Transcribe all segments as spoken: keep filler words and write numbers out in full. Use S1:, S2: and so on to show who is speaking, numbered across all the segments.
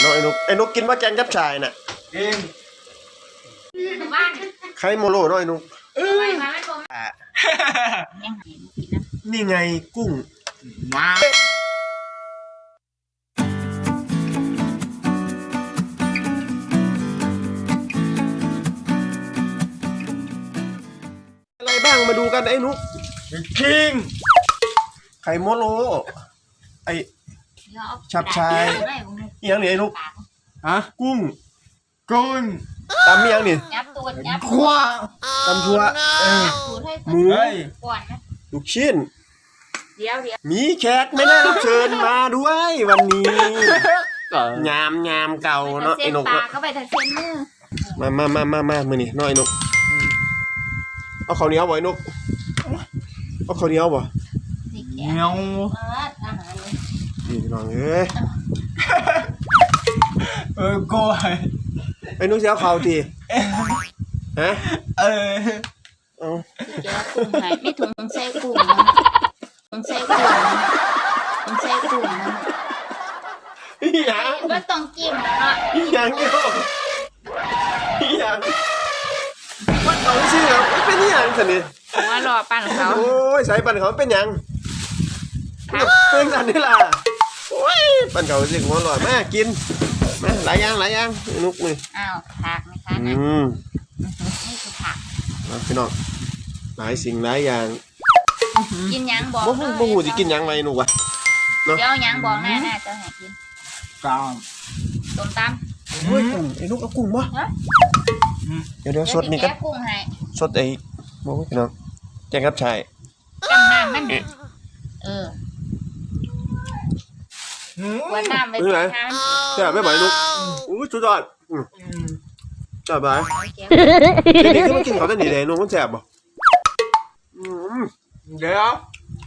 S1: น้องไอ้นุกไอ้นุกกินว่าแกงจับชายน่ะเองใครโมโลน้องไอ้นุกนี่ไงกุ้งมาอะไรบ้างมาดูกันไอ้นุกคิงไข่โมโลไอชับชายเอียงนี่ไอ้นุกฮะกุ้งกุ้งตำเมียงนี่ขั่วตำชัวหมูลูกชิ้นมีแขกไม่ได้รับเชิญมาด้วยวันนี้งามงามเก่าเนาะไอ้นุกก็ไปถักเส้นมือมามามามามามือนี่น้อยนุกเอาข้าวเหนียวบ่ไอ้นุกเอาข้าวเหนียวบ่เหนียวนี่น้องเอ้ยเออโก้ไอ้นุกเสียข้าวทีฮะเออเอาเจ้ากุ้งหายไม่ถุงใส่กุ้งถุงใส่กุ้งถุงใส่กุ้งยังว่าต้องจิ้มนะยังเดียวยังว่าเขาชื่อเป็นยังสันนี่ว่ารอปั้นเขาโอ้ยใส่ปั้นเขาเป็นยังเป็นสันนี่ล่ะโอ้ยปั้นเขาสิหัวหลอดแม่กินมาหลายอย่างหลายอย่างนุกนี่อ้าวผักนะคะอืมนี่คือผักพี่น้องหลายสิ่งหลายอย่างกินยังบอกเลยบ่หูจะกินยังไงนุกวะเดี๋ยวยังบอกแน่แน่จะให้กินกองต้มตำโอ้ยกุ้งไอ้นุกเอากุ้งบ่เดี๋ยวเดี๋ยวสดนี่ก็สดไอ้บอกพี่น้องแกงกับชายจำน้ำมันเออวันน้ำไปไหนแซ่บไม่ไหวลูกอู้สุดยอดแซ่บไหมทีนี้คือมันกินเขาจะหนีเลยนุ่มมันแซ่บป่ะเดี๋ยว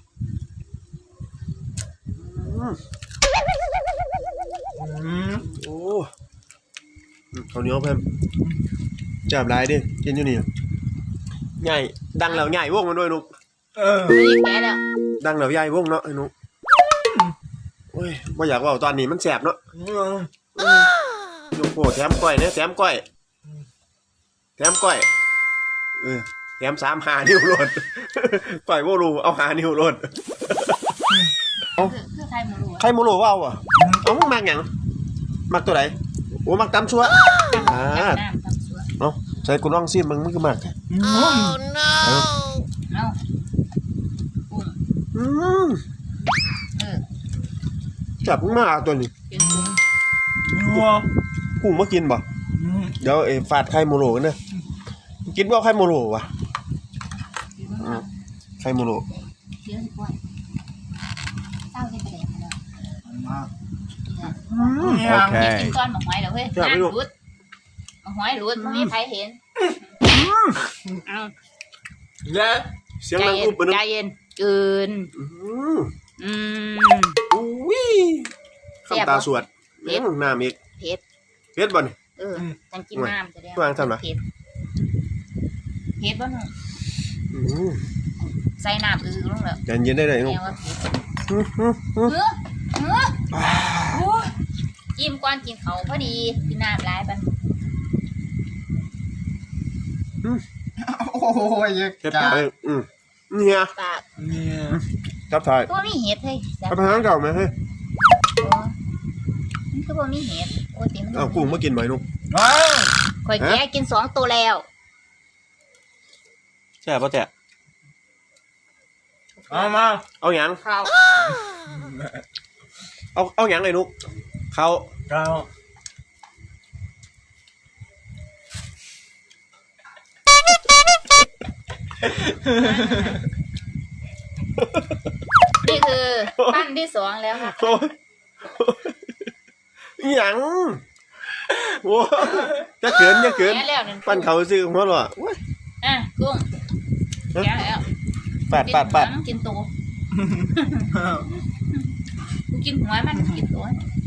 S1: โอ้เขาเหนียวเพิ่มแซ่บหลายดิกินอยู่นี่ใหญ่ดังแล้วใหญ่วงมันด้วยนุกเออดังแล้วใหญ่วงเนาะไอ้นุกโอ้ยว่าอยากว่าตอนนี้มันแสบเนาะโอ้โหแถมก้อยเนี่ยแถมก้อยแถมก้อยเออแถมสามหานิ้วโหลดก้อยโวลูเอาหานิ้วโหลดเอาใครโมโลว่าเอาอ่ะเอามากอย่างมักตัวไหนโอ้มักตำชัวอ่าเอาใส่กุล่องซีมึงมึงก็มากเอาอืมจับมากตัวนี้กุ้งมากินบ่เดี๋ยวเอฟาดไข่โมโลกันนะกินว่าไข่โมโลวะไข่โมโลโอเคกินก้อนหมกหอยเดี๋ยวเฮ้ยน้ำรุดหมกหอยรุดไม่มีใครเห็นแล้วเสียงดังปุ๊บใจเย็นกืนอืมอุ้ยข้ามตาสวดเผ็ดน้ำอีกเผ็ดเผ็ดบ่นเออจังกินน้ำจะได้วางทำไรเผ็ดเผ็ดบ่นใส่น้ำอือลงแล้วใจเย็นได้เลยลูกจิ้มก้อนกินเขาพอดีกินน้ำร้ายไปโอ้ยเผ็ดไปอืมเนี่ยเนี่ยจับถ่ายตัวมีเห็ดเฮ้ยจับถ่ายเก่าไหมเฮ้ยมันคือว่ามีเห็ดโอ้ยเอากุ้งมากินไหมนุ๊กข่อยแกกินสองตัวแล้วแซ่บป่ะแจ๊เอามาเอาหยังเขาเอาเอาหยังเลยนุ๊กเขาเขานี่คือปั้นที่สองแล้วค่ะหยังโว้จะเกินจะเกินปั้นเขาซื้อหัวหรออ่ะกุ้งแกแล้วปาดปาดปาดกินตัวกูกินหัวมันกินตัว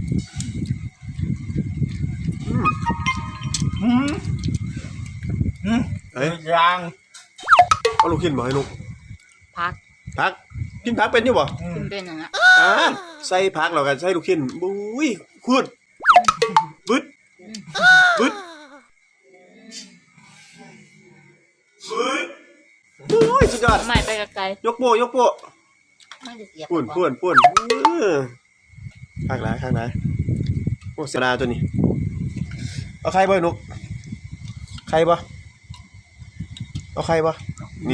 S1: อืมอืมเฮ้ยยังเอาลูกกินบ่ให้ลูกพักพักกินพักเป็นอยู่บ่กินเป็นอย่างนั้นอ่าใส่พักเรากันใส่ลูกชิ้นบุ้ยคูดยกโป้ยกโป้
S2: มันจะเสียบ
S1: ป่วนป่วนป่วนข้างไหนข้างไหนโอ้เสียดายตัวนี้เอาใครบ่นกใครบ่เอาใครบ่นี่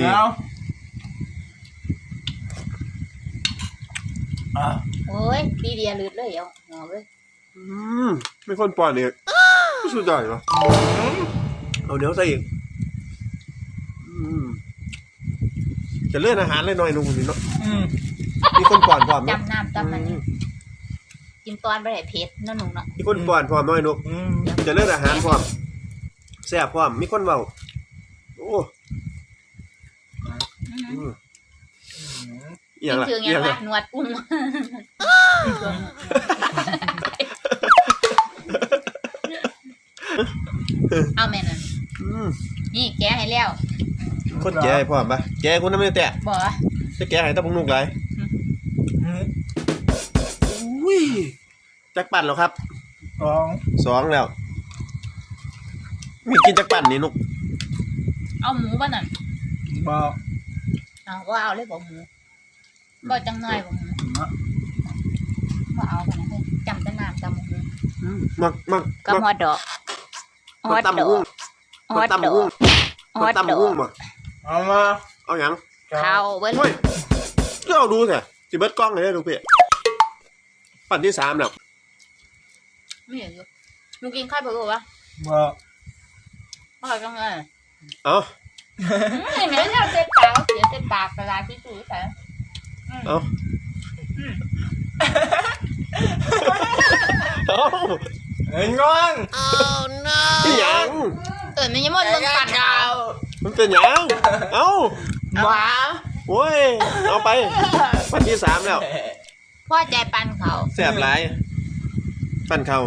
S2: โอ้ยดีเดียลืดเลยเอาหอมเลย
S1: อืมไม่คนป้อนเนี่ยสุดยอดเหรอเอาเดี๋ยวใส่อีกจะเลื่อนอาหารเลยหน่อยนึงนี่เนาะมีคนป้อนพร้อม
S2: จำน้ำจำมันนี่กินตอนไปไหนเพชรนั่นหนูเนาะ
S1: มีคนป้อนพร้อมหน่อยนุกจะเลื่อนอาหารพร้อมแซ่บพร้อมมีคนเบาโอ้
S2: ยังถึงยังว่าหนวดกุ้งเอาแม่นั่นนี่แกะให้แล้ว
S1: คนแกะให้พร้อมปะแกะคนนั้นไม่แตะ
S2: บ่
S1: จะแกะให้ตะพงนุกไรอุ้ยจักปั่นแล้วครับ
S3: สอง
S1: สองแล้วมีกินจักปั่นนี่นุก
S2: เอาหมูป่ะนั่น
S3: บ่
S2: เอาว่าเอาเลยบอกหมูก็จังหน่อยบอกหมูก็เอาไปนะจำแต่น้ำจำหมู
S1: มักมัก
S2: ก็ฮอดดอก
S1: ฮอดดอกฮอดดอกฮอดดอกมา
S3: เอามา
S1: เอาอย่าง
S2: ข้าวเบิ้ล
S1: เฮ้ยก็เอาดูสิจิเบิ้ลกล้องเลยดูเพี่ปั่นที่สามแล้ว
S2: ไม่เห็นอยู่มึงกินข้าวเปล่าวะ
S3: บ่
S2: ข้าวจังเลย
S1: เอา
S2: เห็นไหมเนี่ยเส้นปากเสียเส้นปากเวลาที่สูดแต่
S1: เอาเอา
S3: เอ็งงอน
S1: นี่ยัง
S2: เออมันยังมันมึงปั่นเอา
S1: มันเป็นยังเอา
S2: หมา
S1: โอ้ยเอาไปปั่นที่สามแล้ว
S2: พ่อใจปั่นเขา
S1: แสบหลายปั่นเขา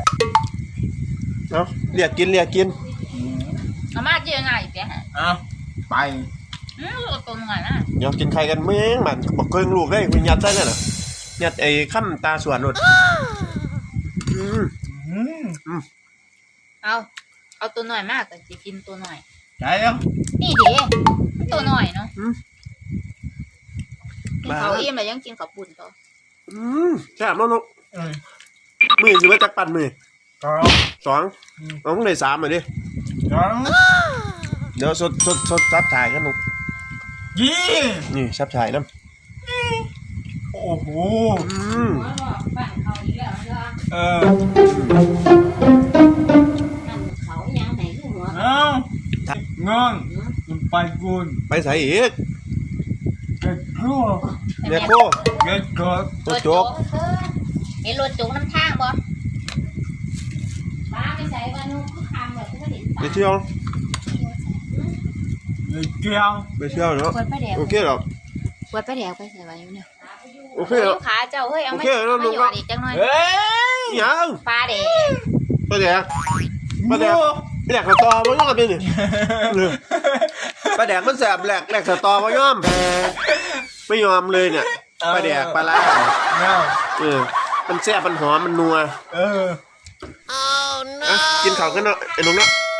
S1: เอาเรียกกินเรียกกิน
S2: อามาเจอไงแกฮะ
S3: เอาไป
S2: อืมตัวหน่อยนะ
S1: เดี๋ยวกินไข่กันเม้งมันบอกเกินลูกได้คุณยัดได้เนี่ยนะยัดไอ้ข้ามตาสวนหมดอืม
S2: อืมเอาเอาตัวหน่อยมากกันจะกินตัวหน่อย
S3: ใช่แล้ว
S2: นี่ดิตัวหน่อยเนาะกินเขาเอี่ยมเลยยังกินกับปุ่นต่อ
S1: อืมแซ่บน้องมืออยู่ไว้จักปั่นมือ
S3: สอง
S1: สองเอาต้องได้สามเลยดิเดี๋ยวสดสดสดซับถ่ายกันลูก
S3: ยี่
S1: นี่ซับถ่ายน้
S3: ำโอ้โหเออเอาเงินไปกุน
S1: ไปใส่อีก
S3: เด็กครัว
S1: เด็กครัว
S3: เด็กกด
S1: รถจุก
S2: เห็นรถจุกน้ำทางบ่บ้าไปใส่วันนู้นก็ทำแบบก็เห็นไป
S1: เที่ยว
S3: ไปเที่ยว
S1: ไปเที่ยวเนาะโอเคหรอ
S2: ปวดไปแดกไปใส่ไว้อยู่เนี่ย
S1: โอเคหรอ
S2: ขาเจ้าเฮ้ยเอาไม่
S1: ไม่
S2: หยอดอีกจังหน่อย
S3: เฮ้ย
S1: ยัง
S2: ปลาแดก
S1: ปลาแดกปลาแดกแหลกสตอมาย่อมดิปลาแดกมันแสบแหลกแหลกสตอมาย่อมไม่ยอมเลยเนี่ยปลาแดกปลาล่าเออมันแซ่บมันหอมมันนัว
S3: เออ
S1: กินข้าวกันเนาะไอ้ลุงเนาะ